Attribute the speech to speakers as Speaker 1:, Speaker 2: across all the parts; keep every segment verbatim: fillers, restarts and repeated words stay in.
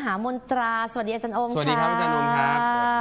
Speaker 1: มหามนตราสวัสดีอาจารย์โอมค่ะ
Speaker 2: สวัสดีครับอาจารย์โอมครับ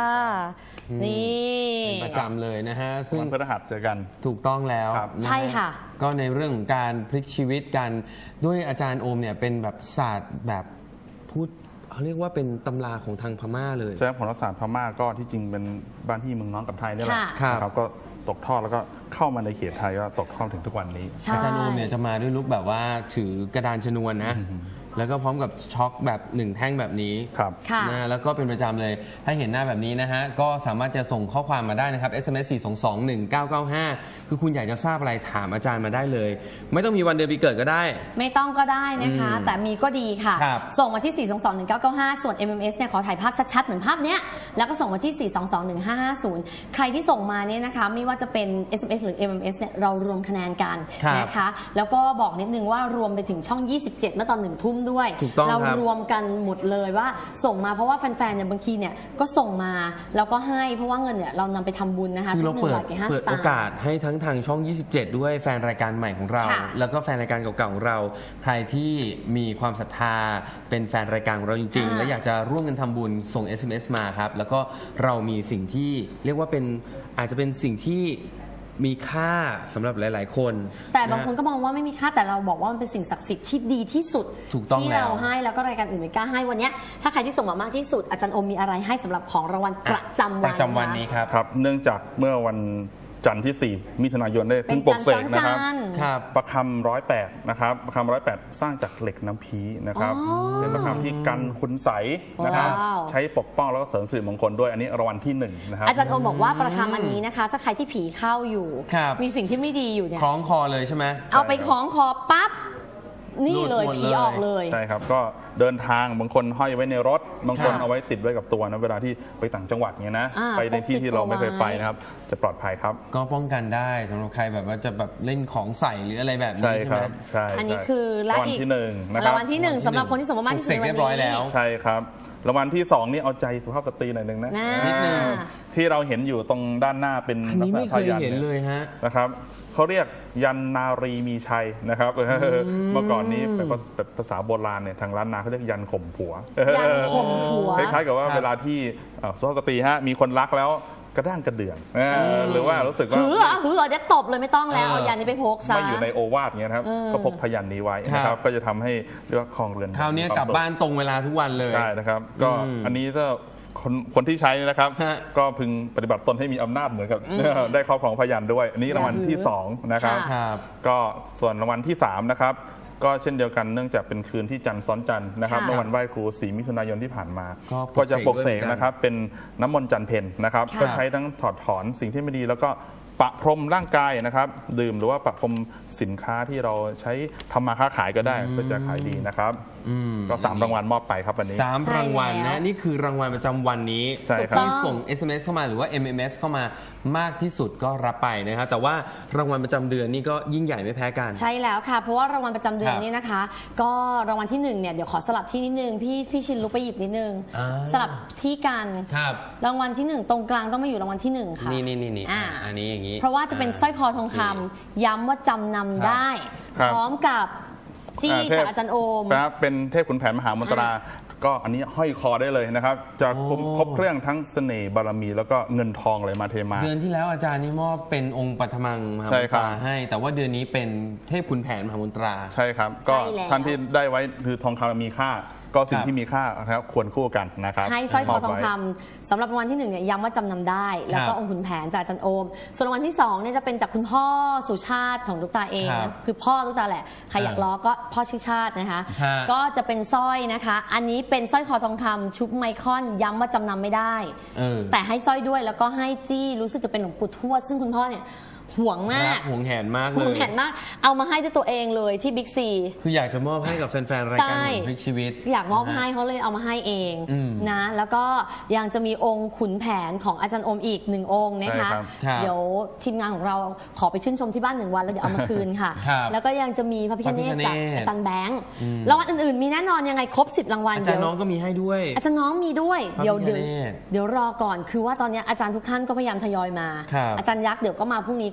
Speaker 1: นี่
Speaker 2: เป็นประจำเลยนะฮะซึ่ง
Speaker 3: วันพฤหัสเจอกัน
Speaker 2: ถูกต้องแล้ว
Speaker 1: ใช่ค่ะ
Speaker 2: ก็ในเรื่องของการพลิกชีวิตกันด้วยอาจารย์โอมเนี่ยเป็นแบบศาสตร์แบบพูดเขาเรียกว่าเป็นตำราของทางพม่าเลย
Speaker 3: ใช่ผลศาสตร์พม่าก็ที่จริงเป็นบ้านที่เมืองน้องกับไทยนี่แหละ
Speaker 2: ค่ะ
Speaker 3: นะครับก็ตกทอดแล้วก็เข้ามาในเขตไทยก็ตกทอดถึงทุกวันนี้
Speaker 2: อาจารย์โอมเนี่ยจะมาด้วยลุคแบบว่าถือกระดานชนวนนะแล้วก็พร้อมกับช็อคแบบหนึ่งแท่งแบบนี้
Speaker 3: ครับ
Speaker 2: นะแล้วก็เป็นประจำเลย ถ้าเห็นหน้าแบบนี้นะฮะก็สามารถจะส่งข้อความมาได้นะครับ เอส เอ็ม เอส สี่ สอง สอง หนึ่ง เก้า เก้า ห้า คือคุณอยากจะทราบอะไรถามอาจารย์มาได้เลย ไม่ต้องมีวันเดือนปีเกิดก็ได้
Speaker 1: ไม่ต้องก็ได้นะคะ แต่มีก็ดีค่ะ ส่งมาที่ สี่ สอง สอง หนึ่ง เก้า เก้า ห้า ส่วน เอ็ม เอ็ม เอส เนี่ยขอถ่ายภาพชัดๆเหมือนภาพเนี้ยแล้วก็ส่งมาที่ สี่ สอง สอง หนึ่ง ห้า ห้า ศูนย์ ใครที่ส่งมาเนี่ยนะคะไม่ว่าจะเป็น เอส เอ็ม เอส หรือ เอ็ม เอ็ม เอส เนี่ยเรารวมคะแนนกันนะคะแล้วก็บอกนิดนึงว่ารวมไปถึงช่อง ยี่สิบเจ็ด เมื่อตอนหนึ่งทุ่มด้วยเรารวมกันหมดเลยว่าส่งมาเพราะว่าแฟนๆเนี่ยบางทีเนี่ยก็ส่งมาแล้วก็ให้เพราะว่าเงินเนี่ยเรานำไปทำบุญนะคะ
Speaker 2: คือเราเปิด
Speaker 1: ทุกหนึ่งบาทแก่ห้า
Speaker 2: เปิ
Speaker 1: ส
Speaker 2: ด
Speaker 1: ตา
Speaker 2: โอ
Speaker 1: ร์
Speaker 2: กาสให้ทั้งทางช่อง ยี่สิบเจ็ด ด้วยแฟนรายการใหม่ของเรา แล้วก็แฟนรายการเก่าๆของเราใครที่มีความศรัทธาเป็นแฟนรายการของเราจริงๆและอยากจะร่วมกันทำบุญส่ง เอส เอ็ม เอส มาครับแล้วก็เรามีสิ่งที่เรียกว่าเป็นอาจจะเป็นสิ่งที่มีค่าสำหรับหลายๆคน
Speaker 1: แต่บางคนก็มองว่าไม่มีค่าแต่เราบอกว่ามันเป็นสิ่งศักดิ์สิทธิ์ที่ดีที่สุดที่เราให้แล้วก็รายการอื่นไม่กล้าให้วันนี้ถ้าใครที่ส่งมามากที่สุดอาจารย์อมมีอะไรให้สำหรับของรางวัลประจำวัน
Speaker 2: ประจำวันนี้ครับ
Speaker 3: ครับเนื่องจากเมื่อวันจันทร์ที่สี่มิถุนายนได้เพิ่งปลุกเสกนะครับประคำร้อยแปดนะครับประคำร้อยแปดสร้างจากเหล็กน้ำพีนะครับเป็นประคำที่กันคุณใสนะครับใช้ปกป้องแล้วก็เสริมสิริมงคลด้วยอันนี้รางวัลที่หนึ่งนะครับ
Speaker 1: อาจารย์โอมบอกว่าประคำอันนี้นะคะถ้าใครที่ผีเข้าอยู่มีสิ่งที่ไม่ดีอยู่เนี่ย
Speaker 2: คล้องคอเลยใช่ไหม
Speaker 1: เอาไปคล้องคอปั๊บนี่เลยผีออกเลย
Speaker 3: ใช่ครับก็เดินทางบางคนห้อยไว้ในรถบางคนเอาไว้ติดไว้กับตัวนะเวลาที่ไปต่างจังหวัดเงี้ยนะไปในที่ที่เราไม่เคยไปนะครับจะปลอดภัยครับ
Speaker 2: ก็ป้องกันได้สำหรับใครแบบว่าจะแบบเล่นของใส่หรืออะไรแบบนี้
Speaker 3: ใช่ไหม
Speaker 2: ใช่
Speaker 1: อันนี้คือ
Speaker 3: รางวัลที่หนึ่งนะครับ
Speaker 1: รางวัลที่หนึ่งสำหรับคนที่สมมติมากที่สุดในวันนี้
Speaker 3: ใช่ครับรางวัลที่สองนี่เอาใจสุภาพสตรีหน่อยนึงนะ
Speaker 2: นิดนึง
Speaker 3: ที่เราเห็นอยู่ตรงด้านหน้าเป็น
Speaker 2: ลักษณะพยัญชนะเลยฮะ
Speaker 3: นะครับเขาเรียกยันนารีมีชัยนะครับเมื่อก่อนนี้เป็นภาษาโบราณเนี่ยทางล้านนาเขาเรียกยันข่มผัว
Speaker 1: ยันข่มผัว
Speaker 3: คล้ายๆกับว่าเวลาที่สุภาพสตรีฮะมีคนรักแล้วกระด้างกระเดื่องหรือว่ารู้สึกว่า
Speaker 1: หือหือจะตบเลยไม่ต้องแล้วเอายันนี้ไปพกซะ
Speaker 3: ไม่อยู่ในโอวาทเงี้ยครับก็พกพยัญชนะนี้ไว้นะครับก็จะทำให้เรียกว่าครองเรือน
Speaker 2: คราวนี้กลับบ้านตรงเวลาทุกวันเลย
Speaker 3: ใช่นะครับก็อันนี้ก็คนคนที่ใช้นะครับก็พึงปฏิบัติตนให้มีอำนาจเหมือนกับได้ครอบครองพยัญชนะด้วยอันนี้รางวัลที่สองนะครับก็ส่วนรางวัลที่สามนะครับก็เช่นเดียวกันเนื่องจากเป็นคืนที่จันทร์ซ้อนจันทร์นะครับเมื่อวันไหว้ครูสี่มิถุนายนที่ผ่านมาก็จะปลุกเสกนะครับเป็นน้ำมนต์จันเพญนะครับก็ใช้ทั้งถอดถอนสิ่งที่ไม่ดีแล้วก็ปะพรมร่างกายนะครับดื่มหรือว่าปะพรมสินค้าที่เราใช้ทำมาค้าขายก็ได้ก็จะขายดีนะครับก็สามรางวัลมอบไปครับวันนี้
Speaker 2: สามรางวัลนะนี่คือรางวัลประจำวันนี้ที่ส่ง เอส เอ็ม เอส เข้ามาหรือว่า เอ็ม เอ็ม เอส เข้ามามากที่สุดก็รับไปนะครับแต่ว่ารางวัลประจำเดือนนี่ก็ยิ่งใหญ่ไม่แพ้กัน
Speaker 1: ใช่แล้วค่ะเพราะว่ารางวัลประจำเดือนนี้นะคะก็รางวัลที่หนึ่งเนี่ยเดี๋ยวขอสลับที่นิดนึงพี่พี่ชินลุกไปหยิบนิดนึงสลับที่กันรางวัลที่หนึ่งตรงกลางต้องมาอยู่รางวัลที่หนึ่งค่ะ
Speaker 2: นี่นี่นี่อันนี้อย่างนี้
Speaker 1: เพราะว่าจะเป็นสร้อยคอทองคำย้ำว่าจำนำได้พร้อมกับจี้จากอาจารย์โอม
Speaker 3: ครับเป็นเทพขุนแผนมหามนตราก็อันนี้ห้อยคอได้เลยนะครับจะครบเครื่องทั้งเสน่ห์บารมีแล้วก็เงินทองเลยมาเทมา
Speaker 2: เดือนที่แล้วอาจารย์นี่มอบเป็นองค์ปัทมังมหามนตราให้แต่ว่าเดือนนี้เป็นเทพขุนแผนมหามนตรา
Speaker 3: ใช่ครับก็ท่านที่ได้ไว้คือทองคำมีค่าก็สิ่งที่มีค่าครับควรคู่กันนะครับ
Speaker 1: ให้สร้อยคอทองคำสำหรับรางวัลที่หนึ่งเนี่ยย้ำว่าจำนำได้แล้วก็องค์ขุนแผนจากอาจารย์โอมส่วนรางวัลที่สองเนี่ยจะเป็นจากคุณพ่อสุชาติของตุ๊กตาเองคือพ่อตุ๊กตาแหละใครอยากล้อก็พ่อชื่อชาตินะคะก็จะเป็นสร้อยนะคะอันนี้เป็นสร้อยคอทองคำชุบไมคอนย้ำว่าจำนำไม่ได้แต่ให้สร้อยด้วยแล้วก็ให้จี้รู้สึกจะเป็นหลวงปู่ทวดซึ่งคุณพ่อเนี่ยห่วงมาก
Speaker 2: ห่วงแหนมากเลย
Speaker 1: ห่วงแหนมากเอามาให้ด้วยตัวเองเลยที่บิ๊กซี
Speaker 2: คืออยากจะมอบให้กับแฟนๆรายการพลิกชีวิต
Speaker 1: อยากมอบให้เขาเลยเอามาให้เองนะแล้วก็ยังจะมีองค์ขุนแผนของอาจารย์อมอีกหนึ่งองค์นะคะเดี๋ยวทีมงานของเราขอไปชื่นชมที่บ้านหนึ่งวันแล้วเดี๋ยวเอามาคืนค่ะแล้วก็แล้วก็ยังจะมีพระพิฆเนศจากอาจารย์แบงค์รางวัลอื่นๆมีแน่นอนยังไงครบสิบรางวัล
Speaker 2: อาจารย์น้องก็มีให้ด้วย
Speaker 1: อาจารย์น้องมีด้วยเดี๋ยวเดี๋ยวเดี๋ยวรอก่อนคือว่าตอนนี้อาจารย์ทุกท่านก็พยายามทยอยมาอาจารย์ยักษ์เดี๋ยวก็มาพรุ่งนี้ก็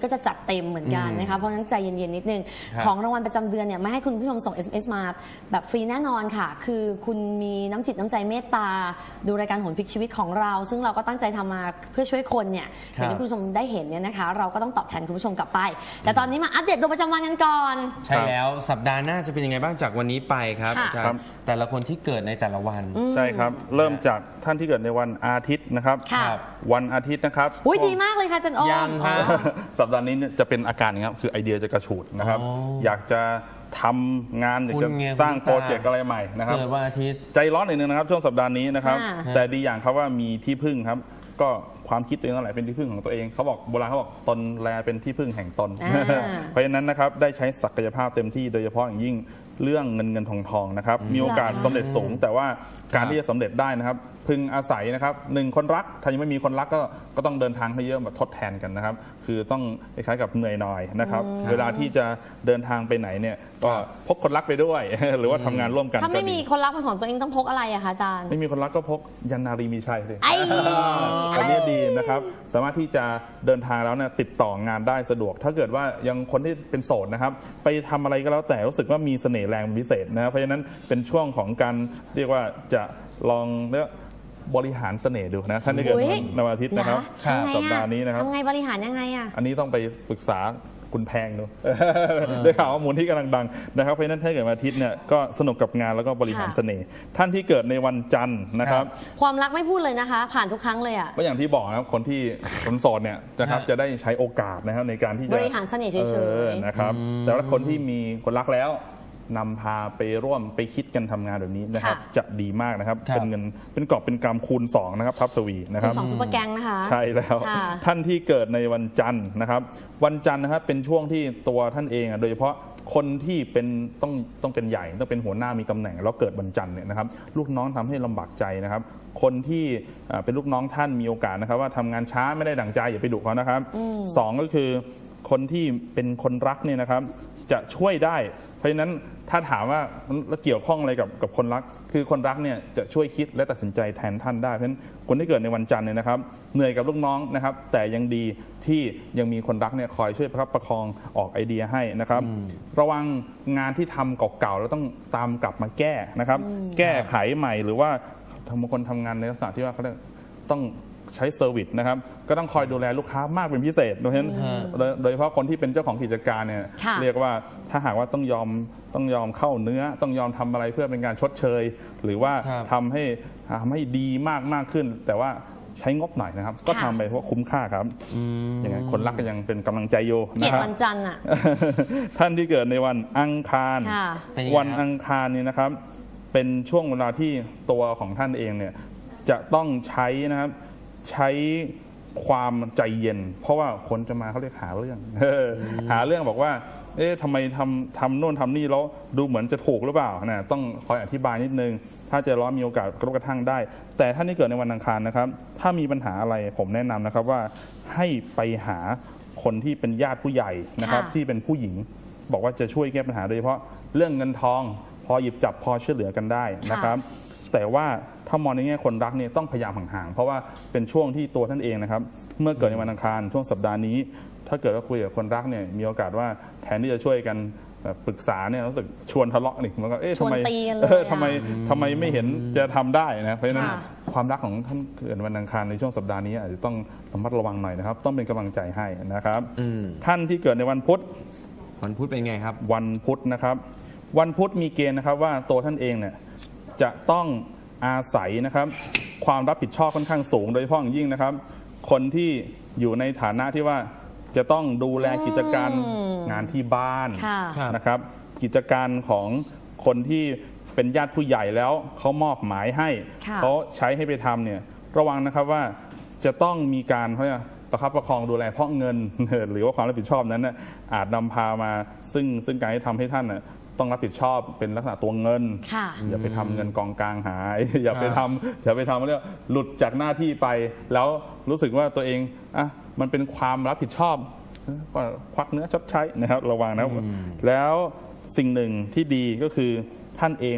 Speaker 1: ก็จะจัดเต็มเหมือนกันนะคะเพราะฉะนั้นใจเย็นๆนิดนึงของรางวัลประจำเดือนเนี่ยไม่ให้คุณผู้ชมส่ง เอส เอ็ม เอส มาแบบฟรีแน่นอนค่ะคือคุณมีน้ำจิตน้ำใจเมตตาดูรายการโหนพลิกชีวิตของเราซึ่งเราก็ตั้งใจทำมาเพื่อช่วยคนเนี่ยอย่างที่คุณผู้ชมได้เห็นเนี่ยนะคะเราก็ต้องตอบแทนคุณผู้ชมกลับไปแต่ตอนนี้มาอัปเดตดวงประจำวันกันก่อน
Speaker 2: ใช่แล้วสัปดาห์หน้าจะเป็นยังไงบ้างจากวันนี้ไปครับอาจารย์แต่ละคนที่เกิดในแต่ละวัน
Speaker 3: ใช่ครับเริ่มจากท่านที่เกิดในวันอาทิตย์นะครับวันอาทิตย์นะครับ
Speaker 1: อุ้ยดีมากเลยค่ะจันโอ
Speaker 2: ยังครับ
Speaker 3: สัปดาห์นี้จะเป็นอาการนี้ครับคือไอเดียจะกระฉูดนะครับอยากจะทำงานอยากจะสร้างโปรเจกต์อะไรใหม่นะครับ
Speaker 2: เกิดวันอาทิตย์
Speaker 3: ใจร้อนหน่อยนึงนะครับช่วงสัปดาห์นี้นะครับแต่ดีอย่างครับว่ามีที่พึ่งครับก็ความคิดตัวเองนั่นแหละเป็นที่พึ่งของตัวเองเขาบอกโบราณเขาบอกตนแลเป็นที่พึ่งแห่งตนเพราะฉะนั้นนะครับได้ใช้ศักยภาพเต็มที่โดยเฉพาะอย่างยิ่งเรื่องเงินเงินทองทองนะครับมีโอกาสสำเร็จสูงแต่ว่าการที่จะสำเร็จได้นะครับพึงอาศัยนะครับหนึ่งคนรักถ้ายังไม่มีคนรักก็ก็ต้องเดินทางให้เยอะมาทดแทนกันนะครับคือต้องคล้ายๆกับเหนื่อยหน่อยนะครับเวลาที่จะเดินทางไปไหนเนี่ยก็พกคนรักไปด้วยหรือว่าทำงานร่วมกัน
Speaker 1: ถ้าไม่มีคนรักเป็นของตัวเองต้องพกอะไรอะคะอาจารย์
Speaker 3: ไม่มีคนรักก็พกยันนารีมีชัยเลยอันนี้ดีนะครับสามารถที่จะเดินทางแล้วเนี่ยติดต่องานได้สะดวกถ้าเกิดว่ายังคนที่เป็นโสดนะครับไปทำอะไรก็แล้วแต่รู้สึกว่ามีเสน่ห์แรงเป็นพิเศษนะครับเพราะฉะนั้นเป็นช่วงของการเรียกว่าจะลองเรียกบริหารเสน่ห์ดูนะท่านที่เกิดในวันอาทิตย์นะครับสัปดาห์นี้นะครับ
Speaker 1: ทำไงบริหารยังไงอ่ะ
Speaker 3: อันนี้ต้องไปปรึกษาคุณแพงดูได้ข่าวว่ามูลที่กำลังดังนะครับเพราะฉะนั้นถ้าเกิดวันอาทิตย์เนี่ยก็สนุกกับงานแล้วก็บริหารเสน่ห์ท่านที่เกิดในวันจันทร์นะครับ
Speaker 1: ความรักไม่พูดเลยนะคะผ่านทุกครั้งเลยอ่ะ
Speaker 3: ก็อย่างที่บอกนะครับคนที่คนโสดเนี่ยนะครับจะได้ใช้โอกาสนะครับในการที่จะ
Speaker 1: บริหารเสน่ห์เฉย
Speaker 3: ๆนะครับแต่ว่าคนที่มีคนรักแล้วนำพาไปร่วมไปคิดกันทำงานแบบนี้นะครับจะดีมากนะครับเป็นเงินเป็นกอบเป็นกำคูณสองนะครับพับสวีนะครับ
Speaker 1: สองซุปเปอร์แกงนะคะ
Speaker 3: ใช่แล้วท่านที่เกิดในวันจันทร์นะครับวันจันทร์นะครับเป็นช่วงที่ตัวท่านเองโดยเฉพาะคนที่เป็นต้องต้องเป็นใหญ่ต้องเป็นหัวหน้ามีตำแหน่งแล้วเกิดวันจันทร์เนี่ยนะครับลูกน้องทำให้ลำบากใจนะครับคนที่เป็นลูกน้องท่านมีโอกาสนะครับว่าทำงานช้าไม่ได้ดั่งใจอย่าไปดุเขานะครับสองก็คือคนที่เป็นคนรักเนี่ยนะครับจะช่วยได้เพราะฉะนั้นถ้าถามว่าแล้วเกี่ยวข้องอะไรกับกับคนรักคือคนรักเนี่ยจะช่วยคิดและตัดสินใจแทนท่านได้เพราะฉะนั้นคนที่เกิดในวันจันทร์เนี่ยนะครับเหนื่อยกับลูกน้องนะครับแต่ยังดีที่ยังมีคนรักเนี่ยคอยช่วยประคับประคองออกไอเดียให้นะครับระวังงานที่ทำเก่าๆแล้วต้องตามกลับมาแก้นะครับแก้ไขใหม่หรือว่าทำคนทำงานในลักษณะที่ว่าเขาต้องใช้เซอร์วิสนะครับก็ต้องคอยดูแลลูกค้ามากเป็นพิเศษโดยเฉพาะโดยเฉพาะคนที่เป็นเจ้าของกิจการเนี่ยเรียกว่าถ้าหากว่าต้องยอมต้องยอมเข้าเนื้อต้องยอมทำอะไรเพื่อเป็นการชดเชยหรือว่าทำให้ทำให้ดีมากมากขึ้นแต่ว่าใช้งบหน่อยนะครับก็ทำไปเพราะคุ้มค่าครับอย่างนั้นคนรักก็ยังเป็นกำลังใจโยนะครับ
Speaker 1: วันจันทร์อ่ะ
Speaker 3: ท่านที่เกิดในวันอังคารวันอังคารนี่นะครับเป็นช่วงเวลาที่ตัวของท่านเองเนี่ยจะต้องใช้นะครับใช้ความใจเย็นเพราะว่าคนจะมาเขาเรียกหาเรื่องหาเรื่องบอกว่าเอ๊ะทำไมทำทำโน่นทำนี่แล้วดูเหมือนจะถูกหรือเปล่านะต้องคอยอธิบายนิดนึงถ้าใจร้อนมีโอกาสกระทบกระทั่งได้แต่ท่านที่เกิดในวันอังคารนะครับถ้ามีปัญหาอะไรผมแนะนำนะครับว่าให้ไปหาคนที่เป็นญาติผู้ใหญ่นะครับที่เป็นผู้หญิงบอกว่าจะช่วยแก้ปัญหาโดยเฉพาะเรื่องเงินทองพอหยิบจับพอช่วยเหลือกันได้นะครับแต่ว่าถ้ามองในแง่คนรักเนี่ยต้องพยายามห่างๆเพราะว่าเป็นช่วงที่ตัวท่านเองนะครับเมื่อเกิดในวันอังคารช่วงสัปดาห์นี้ถ้าเกิดว่าคุยกับคนรักเนี่ยมีโอกาสว่าแทนที่จะช่วยกันปรึกษาเนี่ยรู้สึกชวนทะเลาะนี่มันก็เอ๊ะทำไมเออทำไมทำไมไม่เห็นจะทำได้นะเพราะฉะนั้นความรักของท่านเกิดวันอังคารในช่วงสัปดาห์นี้อาจจะต้องระมัดระวังหน่อยนะครับต้องเป็นกำลังใจให้นะครับท่านที่เกิดในวันพุธ
Speaker 2: วันพุธเป็นไงครับ
Speaker 3: วันพุธนะครับวันพุธมีเกณฑ์นะครับว่าตัวท่านเองเนี่ยจะต้องอาศัยนะครับความรับผิดชอบค่อนข้างสูงโดยเฉพาะอย่างยิ่งนะครับคนที่อยู่ในฐานะที่ว่าจะต้องดูแลกิจการงานที่บ้านนะครับกิจการของคนที่เป็นญาติผู้ใหญ่แล้วเขามอบหมายให้เขาใช้ให้ไปทำเนี่ยระวังนะครับว่าจะต้องมีการเขาเนี่ยประคับประคองดูแลเพราะเงินหรือว่าความรับผิดชอบนั้นอาจนำพามาซึ่งซึ่งการที่ทำให้ท่านต้องรับผิดชอบเป็นลักษณะตัวเงินอย่าไปทำเงินกองกลางหายอย่าไปทำอย่าไปทำเรื่องหลุดจากหน้าที่ไปแล้วรู้สึกว่าตัวเองอ่ะมันเป็นความรับผิดชอบก็ควักเนื้อชดใช้นะครับระวังนะแล้วสิ่งหนึ่งที่ดีก็คือท่านเองเนี่ย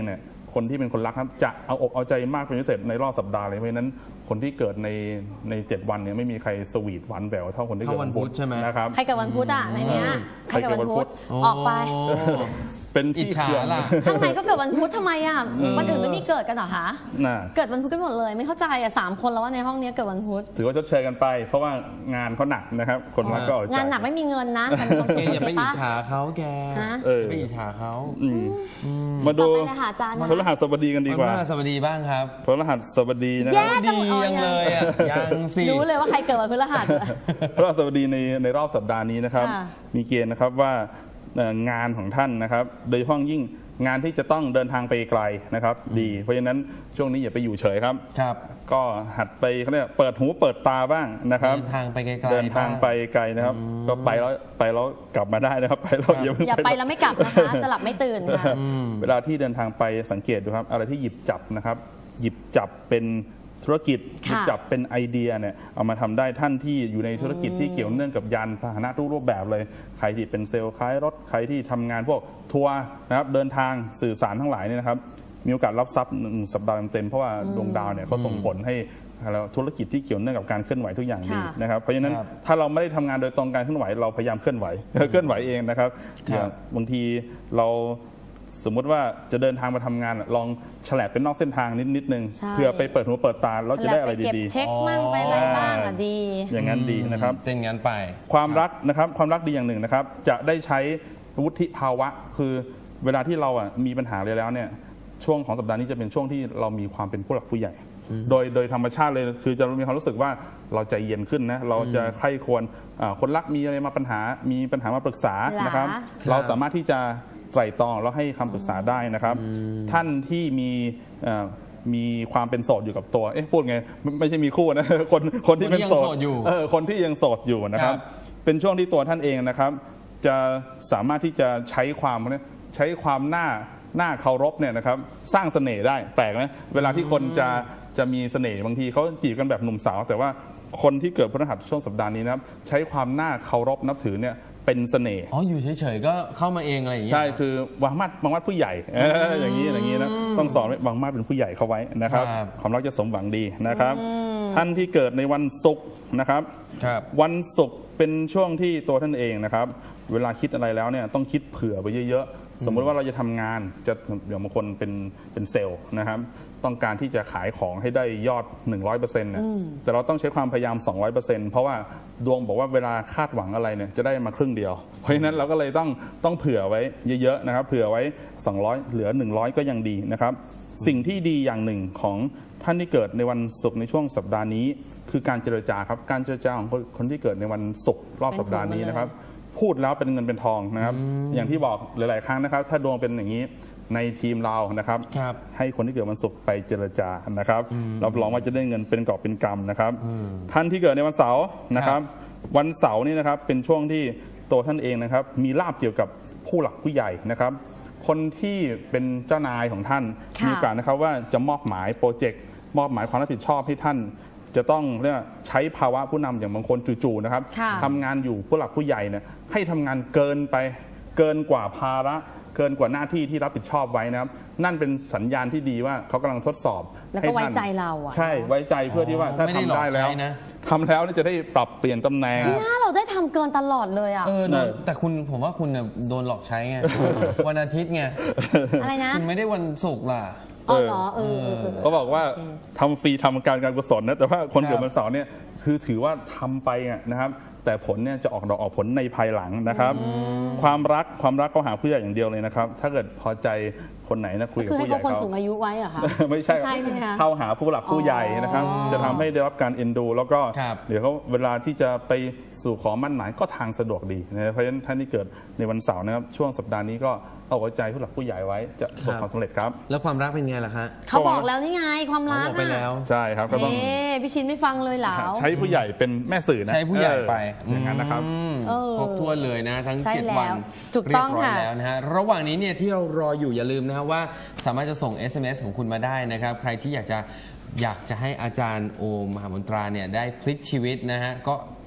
Speaker 3: คนที่เป็นคนรักครับจะเอาอกเอาใจมากเป็นพิเศษในรอบสัปดาห์เลยเพราะฉะนั้นคนที่เกิดในในเจ็ดวันเนี่ยไม่มีใครสวีทหวานแหววเท่าคนที่เกิดวันพุธ
Speaker 2: เท่าวันพุธใช่ไหม
Speaker 3: นะครับ
Speaker 1: ใครเกิดวันพุธอ่ะในเนี้ย
Speaker 3: อืม
Speaker 1: ใครเกิดวันพุธ
Speaker 2: โอ้
Speaker 1: ออกไป
Speaker 3: เป็น
Speaker 2: อิจ
Speaker 3: ที่
Speaker 2: ฉา
Speaker 3: เคือง
Speaker 2: ล่ะ
Speaker 1: ข้างในก็เกิดวันพุธทำไมอ่ะวันอื่นไม่มีเกิดกันเหรอคะ
Speaker 3: น่ะ
Speaker 1: เกิดวันพุธกันหมดเลยไม่เข้าใจอ่ะสามคนแล้วว่าในห้องนี้เกิดวันพุธ
Speaker 3: ถือว่าชดเชยกันไป เพราะว่างานเขาหนักนะครับ คนรักก็เอาใจ
Speaker 1: งานหนักไม่มีเงินนะแต่มีความ
Speaker 2: แก
Speaker 1: สุข
Speaker 2: อย่า
Speaker 1: โอ
Speaker 2: ไป
Speaker 1: เค
Speaker 2: อิจ
Speaker 1: ปะ
Speaker 2: ฉาเขาแก
Speaker 1: ฮะ
Speaker 3: เออ
Speaker 2: อย่าไปอิจฉาเขา
Speaker 3: อืมมาดู
Speaker 1: ต่อไปเลยค่ะอาจารย์นะ
Speaker 3: พฤหัสบดีกันดีกว่า
Speaker 2: วันพฤหัสบดีบ้างครับ
Speaker 3: พฤหัสบดีนะค
Speaker 1: แย่
Speaker 3: รับ
Speaker 2: ดียังเลยอ่ะยังสิ
Speaker 1: รู้เลยว่าใครเกิดวันพฤหัส
Speaker 3: พฤหัสบดีในในรอบสัปดาห์นี้นะครับ
Speaker 1: ค่ะ
Speaker 3: มีเกณฑ์นะครับว่าเอ่องานของท่านนะครับ โดยเฉพาะยิ่งงานที่จะต้องเดินทางไปไกลนะครับ ดี เพราะฉะนั้นช่วงนี้อย่าไปอยู่เฉยครับ
Speaker 2: ครับ
Speaker 3: ก็หัดไปเขาเรียกเปิดหูเปิดตาบ้างนะครับ
Speaker 2: เดินทางไปไกลๆ
Speaker 3: เดินทางไปไกลนะครับ ก็ไปแล้วไปแล้วกลับมาได้นะครับ ไปแล้วอย่าเพิ่ง
Speaker 1: อย่าไปแล้วไม่กลับนะคะ จะหลับไม่ตื่นค่ะ
Speaker 3: เวลาที่เดินทางไปสังเกตดูครับ อะไรที่หยิบจับนะครับ หยิบจับเป็นธุรกิจหยิบจับเป็นไอเดียเนี่ยเอามาทำได้ท่านที่อยู่ในธุรกิจที่เกี่ยวเนื่องกับยานพาหนะทุกรูปแบบเลยใครที่เป็นเซลล์ขายรถใครที่ทำงานพวกทัวร์นะครับเดินทางสื่อสารทั้งหลายเนี่ยนะครับมีโอกาสรับทรัพย์หนึ่งสัปดาห์เต็มๆเพราะว่าดวงดาวเนี่ยเขาส่งผลให้แล้วธุรกิจที่เกี่ยวเนื่องกับการเคลื่อนไหวทุกอย่างดี
Speaker 1: ค่ะ
Speaker 3: นะครับเพราะฉะนั้น
Speaker 2: ครับ
Speaker 3: ถ้าเราไม่ได้ทำงานโดยตรงการเคลื่อนไหวเราพยายามเคลื่อนไหว เคลื่อนไหวเองนะครับ
Speaker 2: ครับ
Speaker 3: อย่างบางทีเราสมมุติว่าจะเดินทางมาทำงานลองฉลับเป็นนอกเส้นทางนิดนิดนึง
Speaker 1: ใช่
Speaker 3: เพื่อไปเปิดหูเปิดตาเราจะได้อะไร
Speaker 1: ไปเก็บ
Speaker 3: ดี
Speaker 1: เช็คมั่งไปอะไรบ้างอ่ะดี
Speaker 3: ๆ อย่างนั้นดีนะครับ
Speaker 2: เป็นงั้นไป
Speaker 3: ความรักนะครับความรักดีอย่างหนึ่งนะครับ จะได้ใช้วุฒิภาวะ คือเวลาที่เราอ่ะมีปัญหาเลยแล้วเนี่ยช่วงของสัปดาห์นี้จะเป็นช่วงที่เรามีความเป็นผู้หลักผู้ใหญ่ โดยโดยธรรมชาติเลยคือจะมีความรู้สึกว่าเราใจเย็นขึ้นนะเราจะใคร่ควรอ่าคนรักมีอะไรมาปัญหามีปัญหามาปรึกษา
Speaker 1: หรอ
Speaker 3: นะครับ เราสามารถที่จะไตร่ตรองแล้วให้คำปรึกษาได้นะครับ ท่านที่มีเอ่อมีความเป็นโสดอยู่กับตัว เอ๊ะพูดไงไม่ไม่ใช่มีคู่นะ คนคนที่เป็นโส
Speaker 2: คนที่ยังโสดอยู่
Speaker 3: เออคนที่ยังโสดอยู่นะครับ
Speaker 2: ครับ
Speaker 3: เป็นช่วงที่ตัวท่านเองนะครับ จะสามารถที่จะใช้ความเนี่ยใช้ความหน้าหน้าเคารพเนี่ยนะครับสร้างเสน่ห์ได้แปลกไหมเวลาที่คนจะจะมีเสน่ห์บางทีเขาจีบกันแบบหนุ่มสาว แต่ว่าคนที่เกิดพฤหัสช่วงสัปดาห์นี้นะครับใช้ความหน้าเคารพนับถือเนี่ยเป็นเสน่ห์
Speaker 2: อ๋ออยู่เฉยๆก็เข้ามาเองอะไรอย่างเงี้ย
Speaker 3: ใช่คือวางมาดวางมาดผู้ใหญ่เอออย่างนี้อย่างนี้นะต้องสอนไว้วางมาดเป็นผู้ใหญ่เข้าไว้นะครับ
Speaker 2: ครับ
Speaker 3: ความรักจะสมหวังดีนะครับ ท่านที่เกิดในวันศุกร์นะครับ
Speaker 2: ครับ
Speaker 3: วันศุกร์เป็นช่วงที่ตัวท่านเองนะครับ เวลาคิดอะไรแล้วเนี่ยต้องคิดเผื่อไปเยอะๆ สมมุติว่าเราจะทำงานจะอย่างบางคนเป็นเป็นเซลล์นะครับ ต้องการที่จะขายของให้ได้ยอด หนึ่งร้อยเปอร์เซ็นต์ เนี่ยแต่เราต้องใช้ความพยายาม สองร้อยเปอร์เซ็นต์ เพราะว่าดวงบอกว่าเวลาคาดหวังอะไรเนี่ยจะได้มาครึ่งเดียว เพราะฉะนั้นเราก็เลยต้องต้องเผื่อไว้เยอะๆนะครับเผื่อไว้ สองร้อย เหลือ หนึ่งร้อย ก็ยังดีนะครับ สิ่งที่ดีอย่างหนึ่งของท่านที่เกิดในวันศุกร์ในช่วงสัปดาห์นี้ คือการเจรจาครับการเจรจาของคนคนที่เกิดในวันศุกร์รอบสัปดาห์นี้นะครับ พูดแล้วเป็นเงินเป็นทองนะครับ อย่างที่บอกหลาย ๆ ครั้งนะครับ ถ้าดวงเป็นอย่างนี้ในทีมเรานะครับ
Speaker 2: ครับ
Speaker 3: ให้คนที่เกิดวันศุกร์ไปเจรจานะครับรับรองว่าจะได้เงินเป็นกอบเป็นกำนะครับ ท่านที่เกิดในวันเสาร์นะครับ วันเสาร์นี่นะครับเป็นช่วงที่ตัวท่านเองนะครับ มีลาภเกี่ยวกับผู้หลักผู้ใหญ่นะครับ คนที่เป็นเจ้านายของท่าน
Speaker 1: ค่ะ
Speaker 3: มีโอกาสนะครับว่าจะมอบหมายโปรเจกต์มอบหมายความรับผิดชอบให้ท่าน จะต้องเรียกว่าใช้ภาวะผู้นำอย่างบางคนจู่ๆนะครับ
Speaker 1: ค่ะ
Speaker 3: ทำงานอยู่ผู้หลักผู้ใหญ่เนี่ยให้ทำงานเกินไปเกินกว่าภาระเกินกว่าหน้าที่ที่รับผิดชอบไว้นะครับ นั่นเป็นสัญญาณที่ดีว่าเขากำลังทดสอบ
Speaker 1: แล้วก็
Speaker 3: ให้ท่าน
Speaker 1: ไว้ใจเราอะ
Speaker 3: ใช่ไว้ใจเพื่อที่ว่าถ้า
Speaker 2: ไม่ได้
Speaker 3: ทำ
Speaker 2: หลอก
Speaker 3: ได้แล้ว
Speaker 2: ใช้นะ
Speaker 3: ทำแล้วเนี่ยจะได้ปรับเปลี่ยนตำแหน่ง
Speaker 1: หน้าเราได้ทำเกินตลอดเลยอ่ะ
Speaker 2: เออโดน
Speaker 3: เออ
Speaker 2: แต่คุณผมว่าคุณเนี่ยโดนหลอกใช้ไง วันอาทิตย์ไง
Speaker 1: อะไรนะ
Speaker 2: คุณไม่ได้วันศุกร์ล่ะ
Speaker 1: อ๋อเหรอเออเออเออ
Speaker 3: เขาบอกว่า
Speaker 1: โอเค
Speaker 3: ทำฟรีทำการการกุศลนะแต่ว่าคน
Speaker 2: ครับ
Speaker 3: เกิดวันเสาร์เนี่ยคือถือว่าทำไปอะนะครับ แต่ผลเนี่ยจะออกดอกออกผลในภายหลังนะครับ ความรักความรักเขาหาผู้ใหญ่อย่างเดียวเลยนะครับ ถ้าเกิดพอใจคนไหนนะคุยกับ
Speaker 1: คือให้
Speaker 3: ผู้ใหญ่
Speaker 1: เขาคน
Speaker 3: เขา
Speaker 1: สูงอายุไว้เหรอคะ
Speaker 3: ไม่ใช่
Speaker 1: ไม่ใช่ใช่ไหมคะ
Speaker 3: เข้าหาผู้หลักผู้ใหญ่นะครับ
Speaker 1: อ๋อ
Speaker 3: จะทำให้ได้รับการเอ็นดู แล้วก็
Speaker 2: ครับ
Speaker 3: เดี๋ยวเขาเวลาที่จะไปสู่ขอมั่นหมายก็ทางสะดวกดีนะเพราะฉะนั้นท่านที่เกิดในวันเสาร์นะครับช่วงสัปดาห์นี้ก็เอาหัวใจผู้หลักผู้ใหญ่ไว้จะประสบความสำเร็จครับ
Speaker 2: แล้วความรักเป็นไงล่ะฮะ
Speaker 1: เขาบอกแล้วนี่ไงความ
Speaker 2: เขา
Speaker 1: รัก
Speaker 2: บอกไปแล้ว
Speaker 3: ใช่ครับก็ต้อง
Speaker 1: เอ๊ะพี่ชินไม่ฟังเลยเหรอ
Speaker 3: ใช้ผู้ใหญ่เป็นแม่สื่อนะ
Speaker 2: ใช้ผู้ใหญ่ไป
Speaker 3: เอออย่างนั้นนะครับ
Speaker 2: อืม
Speaker 1: เออ
Speaker 2: ครบถ้วนเลยนะ ทั้ง
Speaker 1: ใช่
Speaker 2: เจ็ด
Speaker 1: แล้ว
Speaker 2: วัน
Speaker 1: ถูกต้อง
Speaker 2: เรียบร้อย
Speaker 1: ค่ะ
Speaker 2: แล้วนะฮะระหว่างนี้เนี่ยที่เรารออยู่อย่าลืมนะครับว่าสามารถจะส่ง เอส เอ็ม เอส ของคุณมาได้นะครับ ใครที่อยากจะอยากจะให้อาจารย์โอมมหามนตราเนี่ยได้พลิกชีวิตนะฮะก็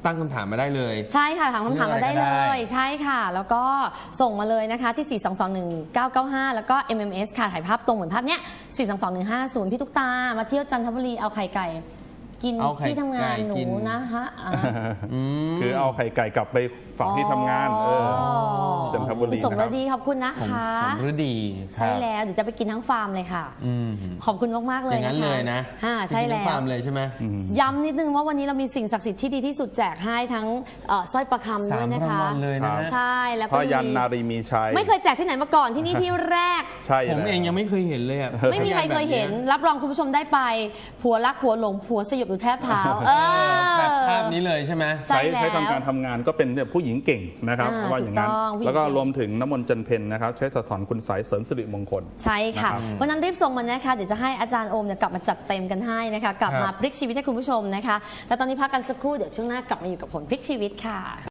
Speaker 2: ตั้งคำถามมาได้เลย
Speaker 1: ใช่ค่ะถามคำถามมาได้เล
Speaker 2: เรื่องอะไรก็
Speaker 1: ย
Speaker 2: ได้
Speaker 1: ใช่ค่ะ แล้วก็ส่งมาเลยนะคะที่ สี่ สอง สอง หนึ่ง เก้า เก้า ห้า แล้วก็ เอ็ม เอ็ม เอส ค่ะถ่ายภาพตรงเหมือนภาพเนี้ย สี่ สอง สอง หนึ่ง ห้า ศูนย์ พี่ตุ๊กตามาเที่ยวจันทบุรีเอาไข่ไก่กิน
Speaker 2: เอาไข่
Speaker 1: ที่ทำงาน
Speaker 2: ไก่
Speaker 1: หนู
Speaker 2: กิน
Speaker 1: นะคะอ่า
Speaker 2: ม
Speaker 3: คือเอาไข่ไก่กลับไปฝั่งที่ทำงานเออจันทบุรี
Speaker 1: สม
Speaker 3: นะครับ
Speaker 1: ฤดีขอบคุณนะ
Speaker 2: ผม
Speaker 1: คะ
Speaker 2: สมฤดีครับ
Speaker 1: ใช่แล้วเดี๋ยวจะไปกินทั้งฟาร์มเลยค่ะ
Speaker 2: อืม
Speaker 1: ขอบคุณมากๆเล
Speaker 2: อย ย่าง
Speaker 1: นะ
Speaker 2: นั้น
Speaker 1: คะ
Speaker 2: เลยนะ
Speaker 1: อ่าใช่
Speaker 2: ไปกิน
Speaker 1: แล้
Speaker 2: ทั้ง
Speaker 1: ว
Speaker 2: ฟาร์มเลยใช่ไหม
Speaker 1: ย้ำนิดนึงว่าวันนี้เรามีสิ่งศักดิ์สิทธิ์ที่ดีที่สุดแจกให้ทั้งเอ่อสร้อยประคำด้
Speaker 2: สา
Speaker 1: วย
Speaker 2: ม
Speaker 1: นะ
Speaker 2: ราง
Speaker 1: คะ
Speaker 2: วัลเลยนะ
Speaker 3: ครับ
Speaker 1: ใช่แล้ว
Speaker 3: พ
Speaker 1: ก็
Speaker 3: ยัน
Speaker 1: มี
Speaker 3: นารีมีชัย
Speaker 1: ไม่เคยแจกที่ไหนมาก่อนที่นี่ที่แรก
Speaker 3: ใช่
Speaker 2: ผม
Speaker 3: แล้ว
Speaker 2: เองยังไม่เคยเห็นเลยอ่ะ
Speaker 1: ไม่มีใครเคยเห็น รับรองคุณผู้ชมได้ไป ผัวรักผัวหลงผัวสยบอยู่แทบเท้าเออ
Speaker 2: แบบภาพนี้เลยใช่ไหม
Speaker 1: ใช่
Speaker 3: ใช้
Speaker 1: แล้ว
Speaker 3: ใช้ทำการทำงานก็เป็นเนี่ยผู้หญิงเก่งนะครับ
Speaker 1: อ่า
Speaker 3: ว่าอย่างนั้น
Speaker 1: ถูกต้องผู้หญิง
Speaker 3: แล้วก็
Speaker 1: เก่ง
Speaker 3: รวมถึงน้ำมนต์จันเพนนะครับใช้สะท้อนคุณสายเสริมสิริมงคล
Speaker 1: ใช่ค่ะ
Speaker 3: นะครับ
Speaker 1: วันนั้นรีบส่งมานะคะเดี๋ยวจะให้อาจารย์โอมเนี่ยกลับมาจัดเต็มกันให้นะคะ กลับ
Speaker 2: ครับ
Speaker 1: มาพลิกชีวิตให้คุณผู้ชมนะคะ แล้วตอนนี้พักกันสักครู่เดี๋ยวช่วงหน้ากลับมาอยู่กับผลพลิกชีวิตค่ะ